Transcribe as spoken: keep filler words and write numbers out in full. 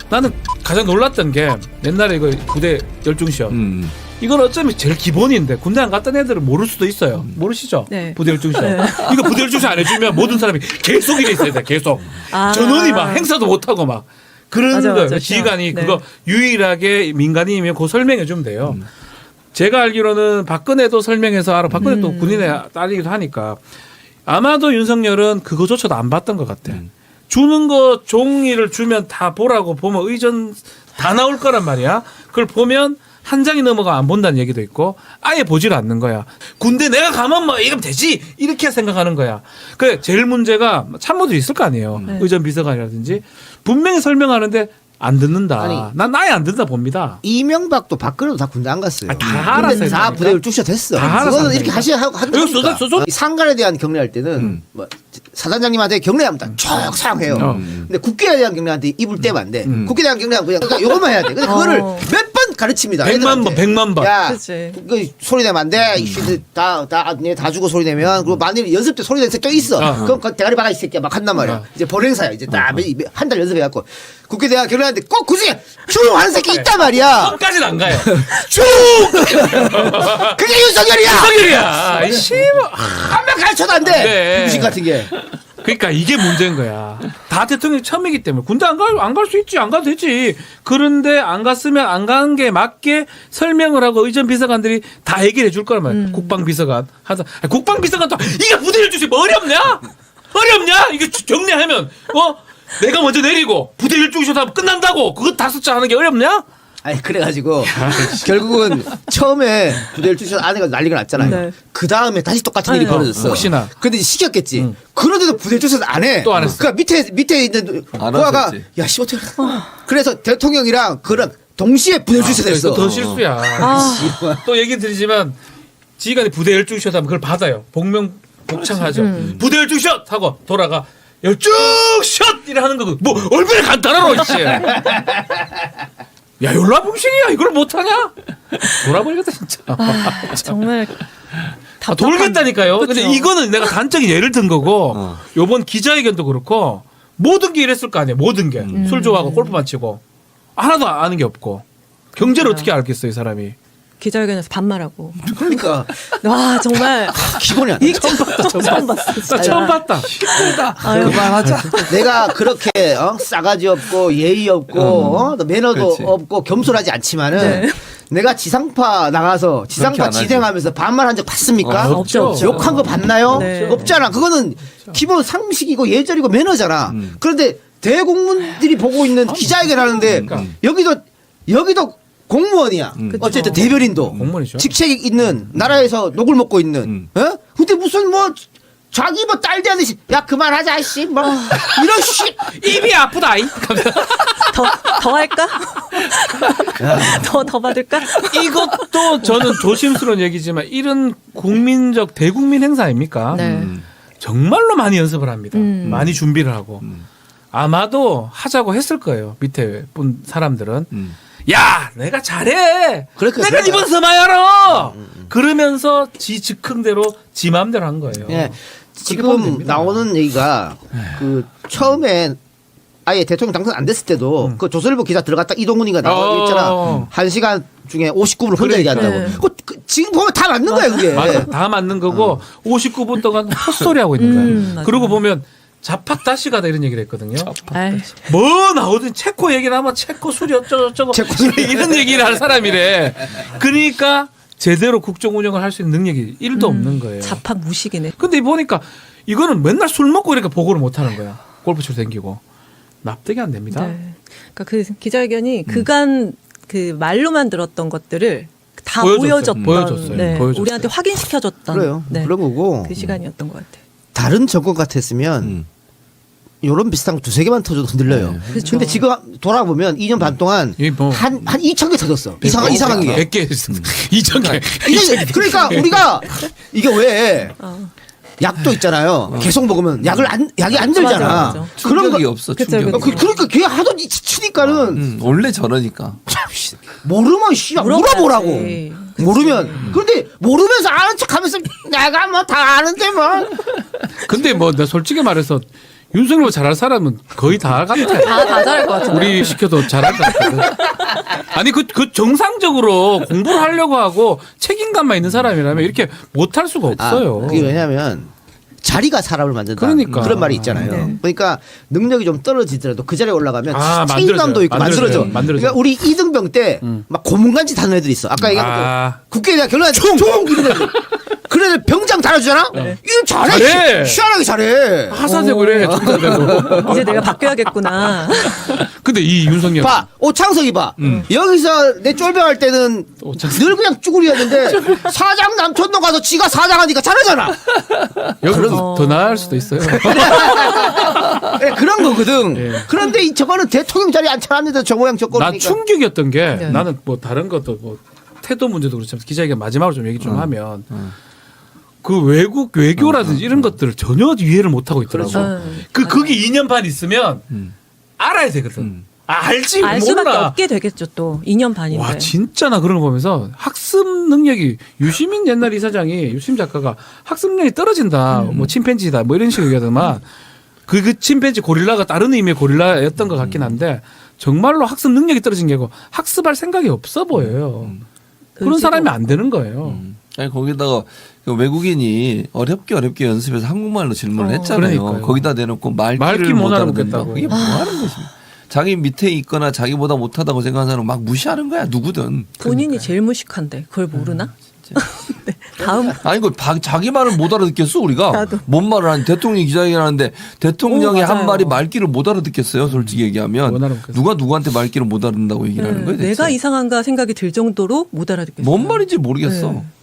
나는 가장 놀랐던 게 옛날에 이거 부대 열중시험. 음. 이건 어쩌면 제일 기본인데 군대 안 갔던 애들은 모를 수도 있어요. 모르시죠? 네. 부대 열중시험. 네. 이거 부대 열중시험 안 해주면 모든 사람이 계속 이래 있어야 돼. 계속. 아. 전원이 막 행사도 못하고 막. 그런 맞아, 거예요. 맞아, 지휘관이 네. 그거 유일하게 민간인이면 그거 설명해 주면 돼요. 음. 제가 알기로는 박근혜도 설명해서 알아. 박근혜도 음. 군인의 딸이기도 하니까 아마도 윤석열은 그거조차도 안 봤던 것 같아. 음. 주는 거 종이를 주면 다 보라고 보면 의전 다 나올 거란 말이야. 그걸 보면 한 장이 넘어가 안 본다는 얘기도 있고 아예 보질 않는 거야. 군대 내가 가면 뭐 이러면 되지 이렇게 생각하는 거야. 그 제일 문제가 참모들이 있을 거 아니에요. 네. 의전 비서관이라든지 분명히 설명하는데 안 듣는다. 아니, 난 아예 안 듣는다 봅니다. 이명박도 박근혜도 다 군대 안 갔어요. 아, 다 알았어요. 다 부대를 쫓아댔어. 다 알았어, 그거는 안 이렇게 되니까. 하셔야 하고 하는 여기 거니까. 쏟아- 쏟아- 상관에 대한 경례할 때는 음. 뭐 사단장님한테 경례하면 딱쭉 사용해요. 어. 근데 국회에 대한 경례한테 입을 떼면 안 돼. 음. 국회에 대한 경례하면 그냥 그러니까 요것만 해야 돼. 근데 그거를 어. 몇 번 가르칩니다. 백만 번, 애들한테. 백만 번. 야, 그치. 그 소리 내면 안 돼. 이씨들 다, 다, 다, 다 주고 소리 내면. 그리고 만일 연습 때 소리 내는 새끼 있어. 어. 그럼 그 대가리 박아 이 새끼야 막 한단 말이야. 어. 이제 본행사야. 이제 딱 한 달 연습해갖고. 국회 대학 경례하는데 꼭 굳이 쭉 하는 새끼 있단 말이야. 끝까지는 안 가요. 쭉! 그게 윤석열이야! 윤석열이야. 아이씨. 뭐. 한 명 가르쳐도 안 돼! 네. 무식 같은 게. 그러니까 이게 문제인 거야. 다 대통령이 처음이기 때문에 군대 안 갈, 안 갈 수 있지. 안 가도 되지. 그런데 안 갔으면 안 간 게 맞게 설명을 하고 의전 비서관들이 다 해결해 줄 거란 말이야. 음. 국방비서관. 하다. 아니, 국방비서관도 이게 부대를 주세요. 뭐 어렵냐? 어렵냐? 이게 정리하면, 어? 내가 먼저 내리고 부대 일주기셔도 하면 끝난다고. 그거 다 숫자 하는 게 어렵냐? 아니, 그래가지고, 결국은 처음에 부대를 주셔서 아내가 난리가 났잖아요. 네. 그 다음에 다시 똑같은 일이 아유. 벌어졌어. 혹시나. 근데 시켰겠지. 응. 그런데도 부대를 주셔서 안 해. 또 안 했어. 그러니까 밑에, 밑에 있는 안 부하가, 하셨지. 야, 씨, 어떻게. 그래서 대통령이랑 그런 동시에 부대를 주셔서 했어. 더 실수야. 아. 또 얘기 드리지만 지휘관이 부대 열중샷 하면 그걸 받아요. 복명 복창하죠. 음. 부대 열중샷 하고 돌아가 열중샷 이래 하는 거고 뭐 얼마나 간단하노 이씨. 야 열라봉신이야 이걸 못하냐? 돌아버리겠다 진짜. 아, 정말 아, 돌겠다니까요. 그쵸. 근데 이거는 내가 단적인 예를 든 거고 어. 요번 기자회견도 그렇고 모든 게 이랬을 거 아니에요. 모든 게. 음. 술 좋아하고 골프만 치고 하나도 아는 게 없고 경제를 맞아요. 어떻게 알겠어요 이 사람이. 기자회견에서 반말하고. 그러니까. 와 정말 기본이 안 돼. 처음 봤다. 처음 봤어. 나 처음 봤다. 아유, 그만하자. 내가 그렇게 어? 싸가지 없고 예의 없고 어? 매너도 그렇지. 없고 겸손하지 않지만은 네. 내가 지상파 나가서 그렇게 지상파 안 하지. 진행하면서 반말한 적 봤습니까? 어, 없죠, 없죠. 욕한 거 봤나요? 네. 없잖아. 그거는 기본 상식이고 예절이고 매너잖아. 음. 그런데 대국민들이 보고 있는 기자회견 하는데 그러니까. 여기도 여기도 공무원이야. 음. 어쨌든 대변인도 공무원이죠. 직책이 있는 나라에서 녹을 먹고 있는. 음. 어? 근데 무슨 뭐 자기 뭐 딸 되듯이 야 그만하자 씨. 뭐 이런 씨. 입이 아프다. 이. 더, 더 할까? 더, 더 받을까? 이것도 저는 조심스러운 얘기지만 이런 국민적 대국민 행사 아닙니까? 네. 음. 정말로 많이 연습을 합니다. 음. 많이 준비를 하고 음. 아마도 하자고 했을 거예요. 밑에 분 사람들은 음. 야 내가 잘해. 그러니까, 내가 그러니까. 이번 서마야로 그러면서 지 즉흥대로 지 마음대로 한 거예요. 예. 그렇게 보면 지금 됩니다. 나오는 얘기가 그 처음에 아예 대통령 당선 안 됐을 때도 그 조선일보 기사 들어갔다 이동훈이가 나와 있잖아. 어. 한 시간 중에 오십구 분을 혼자 그러니까. 얘기한다고. 네. 그, 그 지금 보면 다 맞는 거야 그게. 맞아. 다 맞는 거고 오십구 분 동안 헛소리 하고 있는 거예요. 음, 맞아요. 그러고 보면 자팍다시가다 이런 얘기를 했거든요. 아이, 뭐 나오든 체코 얘기를 하면 체코 술이 어쩌고저쩌고 체코 술이. 이런 얘기를 하는 사람이래. 그러니까 제대로 국정 운영을 할 수 있는 능력이 일도 없는 거예요. 자팍 무식이네. 근데 보니까 이거는 맨날 술 먹고 이렇게 보고를 못 하는 거야. 골프치러 댕기고. 납득이 안 됩니다. 네. 그러니까 그 기자회견이 그간 그 말로만 들었던 것들을 다 보여줬어요. 보여줬던, 보여줬어요. 네, 보여줬어요. 우리한테 확인시켜줬던 그래요. 네, 그런 거고. 그 시간이었던 것 같아요. 다른 정권 같았으면 음. 요런 비슷한 거 두세 개만 터져도 흔들려요. 네. 그렇죠. 근데 지금 돌아보면 이 년 반 동안 이 뭐- 한, 한 이천 개 터졌어. 이상한, 이상한 게. 백 개, 이천 개. 이게 그러니까 우리가 이게 왜 어. 약도 있잖아요. 계속 먹으면 약을 안, 약이 안 들잖아. 맞아, 맞아. 그런 충격이 거. 없어. 그쵸, 충격이. 어, 그, 그러니까 걔 하도 치니까는 음, 원래 저러니까. 모르면 씨발 물어봐야지. 물어보라고. 그치. 모르면. 그런데 모르면서 아는 척하면서 내가 뭐 다 아는데 뭐. 근데 뭐, 나 솔직히 말해서 윤석열 잘할 사람은 거의 다 같아. 다, 다 잘할 것 같은데. 우리 시켜도 잘할 것 같거든. 아니 그, 그 정상적으로 공부를 하려고 하고 책임감만 있는 사람이라면 이렇게 못할 수가 없어요. 아, 그게 왜냐하면 자리가 사람을 만든다. 그러니까. 그런 말이 있잖아요. 네. 그러니까 능력이 좀 떨어지더라도 그 자리에 올라가면 아, 책임감도 있고 만들어져요. 만들어져. 만들어져요. 그러니까 우리 이등병 때 막 고문간짓 하는 애들 있어. 아까 얘기한 아. 거 국회에 대한 결론은 총! 총! 이런 애들. 그런 애들 병장 달아주잖아? 이거 잘해. 잘해. 시- 희한하게 잘해. 하사되고 그래. 중사되고. 이제 내가 바뀌어야겠구나. 근데 이 윤석열 봐. 오창석이 봐. 여기서 내 쫄병할 때는 오창석. 늘 그냥 쭈구리였는데 사장 남촌동 가서 지가 사장하니까 잘하잖아. 여기서 더 나을 수도 있어요. 네, 그런 거거든. 예. 그런데 이 저거는 대통령 자리에 앉혀놨는데 저 모양 저 꼴이니까. 난 충격이었던 게 네. 나는 뭐 다른 것도 뭐 태도 문제도 그렇지만 기자회견 마지막으로 좀 얘기 좀 하면 그 외국 외교라든지 이런 것들을 전혀 이해를 못 하고 있더라고. 그렇죠. 그 거기 이 년 반 있으면 알아야 되거든. 아, 알지 알 수밖에 모르나. 없게 되겠죠 또. 이 년 반인데. 와 진짜 나 그런 거 보면서 학습 능력이 유시민 옛날 이사장이 유시민 작가가 학습 능력이 떨어진다. 뭐 침팬지다. 뭐 이런 식으로 얘기하더만 그, 그 침팬지 고릴라가 다른 의미의 고릴라였던 것 같긴 한데 정말로 학습 능력이 떨어진 게 아니고 학습할 생각이 없어 보여요. 그런 의지도 사람이 안 되는 거예요. 아니 거기다가 그 외국인이 어렵게 어렵게 연습해서 한국말로 질문을 어. 했잖아요. 그러니까요. 거기다 대놓고 말귀를 말귀 못 못 알아듣는다. 알아듣겠다고. 그게 뭐 하는 것입니까? 자기 밑에 있거나 자기보다 못하다고 생각하는 사람 막 무시하는 거야 누구든. 본인이 제일 무식한데 그걸 모르나? 네. 다음 아니 그 자기 말을 못 알아듣겠어 우리가. 나도. 뭔 말을 하는 대통령이 기자회견하는데 대통령이 오, 한 맞아요. 말이 말귀를 못 알아듣겠어요. 솔직히 얘기하면 못 알아듣겠어요. 누가 누구한테 말귀를 못 알아듣는다고 얘기를 하는 네, 거예요. 대체? 내가 이상한가 생각이 들 정도로 못 알아듣겠어요. 뭔 말인지 모르겠어. 네.